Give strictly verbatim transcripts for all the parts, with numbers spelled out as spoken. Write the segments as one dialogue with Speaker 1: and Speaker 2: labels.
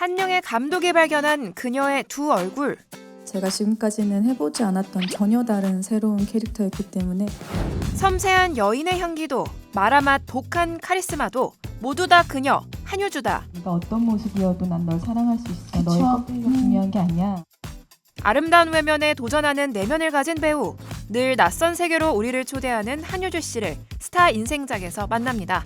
Speaker 1: 한영의 감독이 발견한 그녀의 두 얼굴.
Speaker 2: 제가 지금까지는 해보지 않았던 전혀 다른 새로운 캐릭터였기 때문에
Speaker 1: 섬세한 여인의 향기도 마라맛 독한 카리스마도 모두 다 그녀 한효주다.
Speaker 3: 네가 어떤 모습이어도 난 널 사랑할 수 있어. 너의 껍데기가 중요한 게 아니야.
Speaker 1: 아름다운 외면에 도전하는 내면을 가진 배우. 늘 낯선 세계로 우리를 초대하는 한효주 씨를 스타 인생작에서 만납니다.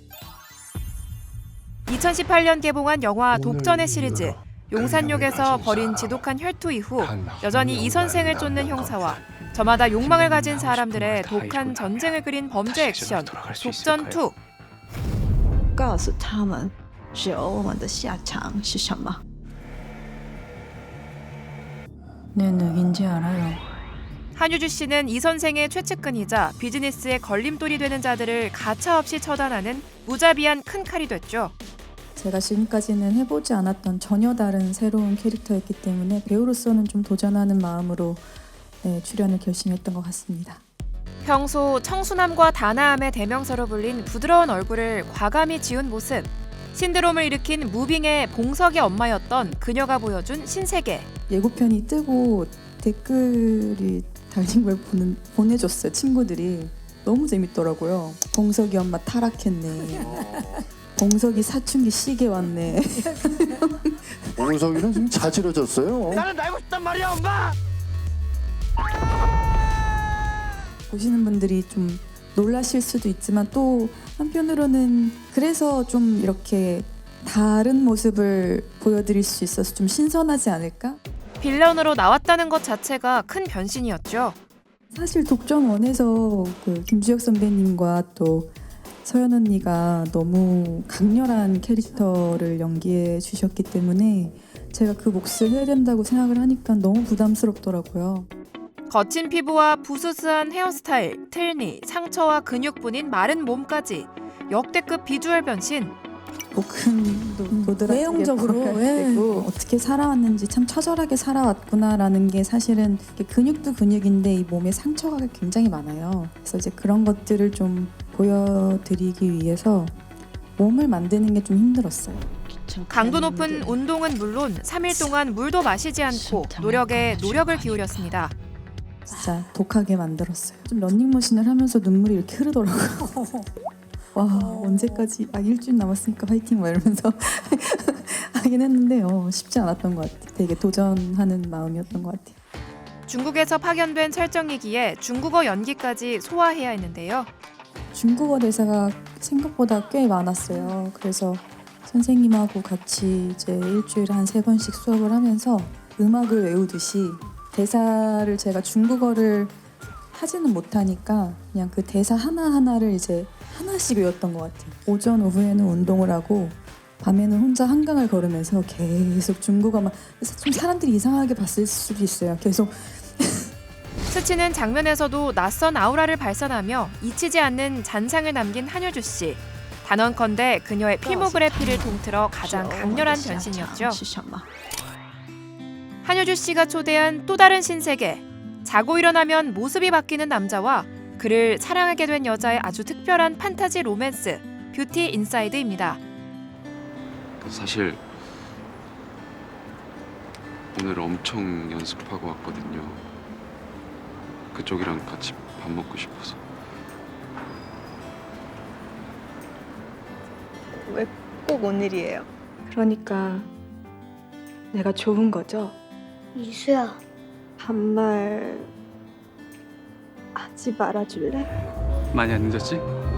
Speaker 1: 이천십팔 년 개봉한 영화 독전의 시리즈. 용산역에서 벌인 지독한 혈투 이후 여전히 이 선생을 쫓는 형사와 저마다 욕망을 가진 사람들의 독한 전쟁을 그린 범죄 액션 독전 투.
Speaker 4: 告诉他们，只有我们的下场是什么。
Speaker 2: 네, 누군지 알아요.
Speaker 1: 한효주 씨는 이 선생의 최측근이자 비즈니스의 걸림돌이 되는 자들을 가차없이 처단하는 무자비한 큰 칼이 됐죠.
Speaker 2: 제가 지금까지는 해보지 않았던 전혀 다른 새로운 캐릭터였기 때문에 배우로서는 좀 도전하는 마음으로 네, 출연을 결심했던 것 같습니다.
Speaker 1: 평소 청순함과 단아함의 대명사로 불린 부드러운 얼굴을 과감히 지운 모습. 신드롬을 일으킨 무빙의 봉석의 엄마였던 그녀가 보여준 신세계.
Speaker 2: 예고편이 뜨고 댓글이 달린 걸 보는, 보내줬어요. 친구들이. 너무 재밌더라고요. 봉석이 엄마 타락했네. 봉석이 사춘기 시계 왔네.
Speaker 5: 봉석이는 지금 자지러졌어요.
Speaker 6: 나는 날고 싶단 말이야, 엄마!
Speaker 2: 보시는 분들이 좀 놀라실 수도 있지만 또 한편으로는 그래서 좀 이렇게 다른 모습을 보여드릴 수 있어서 좀 신선하지 않을까?
Speaker 1: 빌런으로 나왔다는 것 자체가 큰 변신이었죠.
Speaker 2: 사실 독전 원에서 그 김주혁 선배님과 또 서연 언니가 너무 강렬한 캐릭터를 연기해 주셨기 때문에 제가 그 몫을 해야 된다고 생각을 하니까 너무 부담스럽더라고요.
Speaker 1: 거친 피부와 부스스한 헤어스타일, 틀니, 상처와 근육뿐인 마른 몸까지 역대급 비주얼 변신.
Speaker 2: 복근도 보드랍게
Speaker 7: 외형적으로,
Speaker 2: 되고 어떻게 살아왔는지 참 처절하게 살아왔구나라는 게 사실은 근육도 근육인데 이 몸에 상처가 굉장히 많아요. 그래서 이제 그런 것들을 좀 보여드리기 위해서 몸을 만드는 게 좀 힘들었어요.
Speaker 1: 강도 높은 운동은 물론 삼 일 동안 물도 마시지 않고 노력에 노력을 기울였습니다.
Speaker 2: 진짜 독하게 만들었어요. 좀 런닝머신을 하면서 눈물이 이렇게 흐르더라고요. 와 언제까지 아 일주일 남았으니까 파이팅 막 이러면서 하긴 했는데 어, 쉽지 않았던 것 같아요. 되게 도전하는 마음이었던 것 같아요.
Speaker 1: 중국에서 파견된 설정이기에 중국어 연기까지 소화해야 했는데요.
Speaker 2: 중국어 대사가 생각보다 꽤 많았어요. 그래서 선생님하고 같이 이제 일주일에 한 세 번씩 수업을 하면서 음악을 외우듯이 대사를 제가 중국어를 하지는 못하니까 그냥 그 대사 하나하나를 이제 하나씩 외웠던 것 같아요. 오전 오후에는 운동을 하고 밤에는 혼자 한강을 걸으면서 계속 중국어만 좀 사람들이 이상하게 봤을 수도 있어요. 계속
Speaker 1: 스치는 장면에서도 낯선 아우라를 발산하며 잊히지 않는 잔상을 남긴 한효주 씨. 단언컨대 그녀의 필모그래피를 통틀어 가장 강렬한 변신이었죠. 한효주 씨가 초대한 또 다른 신세계. 자고 일어나면 모습이 바뀌는 남자와 그를 사랑하게 된 여자의 아주 특별한 판타지 로맨스 뷰티 인사이드입니다.
Speaker 8: 사실 오늘 엄청 연습하고 왔거든요. 그쪽이랑 같이 밥 먹고 싶어서.
Speaker 7: 왜 꼭 오늘이에요? 그러니까 내가 좋은 거죠?
Speaker 9: 이수야,
Speaker 7: 반말 하지 말아줄래?
Speaker 8: 많이 안 늦었지?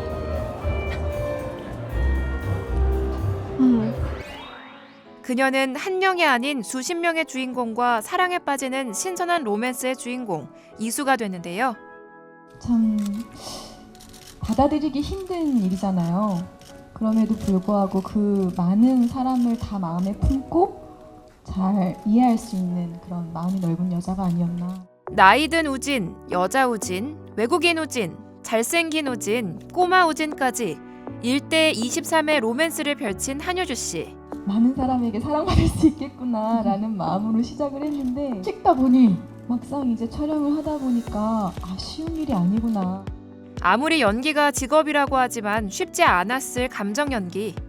Speaker 7: 응.
Speaker 1: 그녀는 한 명이 아닌 수십 명의 주인공과 사랑에 빠지는 신선한 로맨스의 주인공 이수가 됐는데요.
Speaker 3: 참 받아들이기 힘든 일이잖아요. 그럼에도 불구하고 그 많은 사람을 다 마음에 품고 잘 이해할 수 있는 그런 마음이 넓은 여자가 아니었나.
Speaker 1: 나이든 우진, 여자 우진, 외국인 우진, 잘생긴 우진, 꼬마 우진까지 일대 이십삼의 로맨스를 펼친 한효주 씨.
Speaker 3: 많은 사람에게 사랑받을 수 있겠구나라는 마음으로 시작을 했는데 찍다 보니 막상 이제 촬영을 하다 보니까 아 쉬운 일이 아니구나.
Speaker 1: 아무리 연기가 직업이라고 하지만 쉽지 않았을 감정 연기.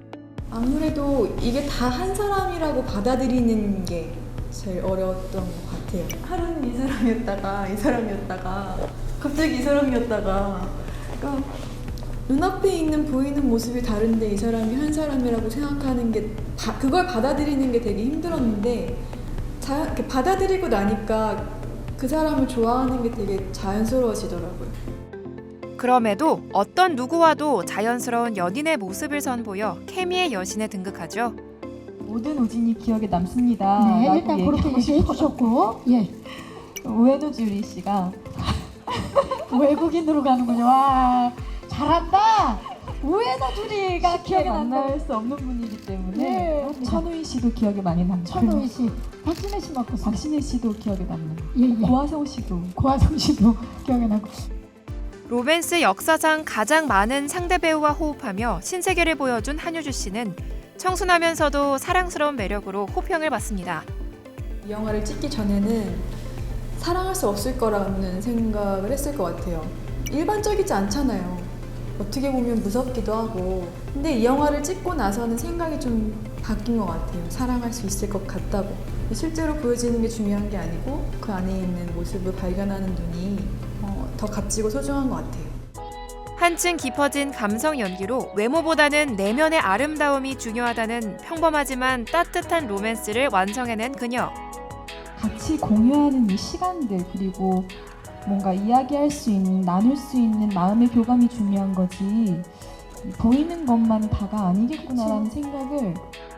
Speaker 2: 아무래도 이게 다 한 사람이라고 받아들이는 게 제일 어려웠던 것 같아요. 하루는 이 사람이었다가 이 사람이었다가 갑자기 이 사람이었다가 그러니까 눈앞에 있는 보이는 모습이 다른데 이 사람이 한 사람이라고 생각하는 게 바, 그걸 받아들이는 게 되게 힘들었는데 자, 이렇게 받아들이고 나니까 그 사람을 좋아하는 게 되게 자연스러워지더라고요.
Speaker 1: 그럼에도 어떤 누구와도 자연스러운 연인의 모습을 선보여 케미의 여신에 등극하죠.
Speaker 3: 모든 우진이 기억에 남습니다.
Speaker 5: 네,
Speaker 3: 라고
Speaker 5: 일단 그렇게
Speaker 3: 얘기하고
Speaker 5: 얘기해
Speaker 3: 싶어요.
Speaker 5: 주셨고, 예,
Speaker 3: 우에노 주리 씨가
Speaker 5: 외국인으로 가는군요. 와, 잘한다. 우에노 주리가
Speaker 3: 기억에
Speaker 5: 기억에 난다.
Speaker 3: 만날 수 없는 분이기 때문에
Speaker 5: 네.
Speaker 3: 천우희 씨도 기억에 많이 남고
Speaker 5: 천우희 씨, 박진혜 씨 맞고
Speaker 3: 박신혜 씨도 기억에 남는
Speaker 5: 예, 예.
Speaker 3: 고화성 씨도
Speaker 5: 고화성 씨도 기억에 나고.
Speaker 1: 로맨스 역사상 가장 많은 상대 배우와 호흡하며 신세계를 보여준 한효주 씨는 청순하면서도 사랑스러운 매력으로 호평을 받습니다.
Speaker 2: 이 영화를 찍기 전에는 사랑할 수 없을 거라는 생각을 했을 것 같아요. 일반적이지 않잖아요. 어떻게 보면 무섭기도 하고. 근데 이 영화를 찍고 나서는 생각이 좀 바뀐 것 같아요. 사랑할 수 있을 것 같다고. 실제로 보여지는 게 중요한 게 아니고 그 안에 있는 모습을 발견하는 눈이 어, 더 값지고 소중한 것 같아요.
Speaker 1: 한층 깊어진 감성 연기로 외모보다는 내면의 아름다움이 중요하다는 평범하지만 따뜻한 로맨스를 완성해낸 그녀.
Speaker 3: 같이 공유하는 이 시간들 그리고 뭔가 이야기할 수 있는 나눌 수 있는 마음의 교감이 중요한 거지 보이는 것만이 다가 아니겠구나라는 생각을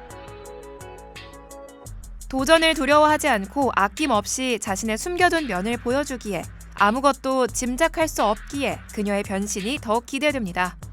Speaker 1: 도전을 두려워하지 않고 아낌없이 자신의 숨겨둔 면을 보여주기에 아무것도 짐작할 수 없기에 그녀의 변신이 더욱 기대됩니다.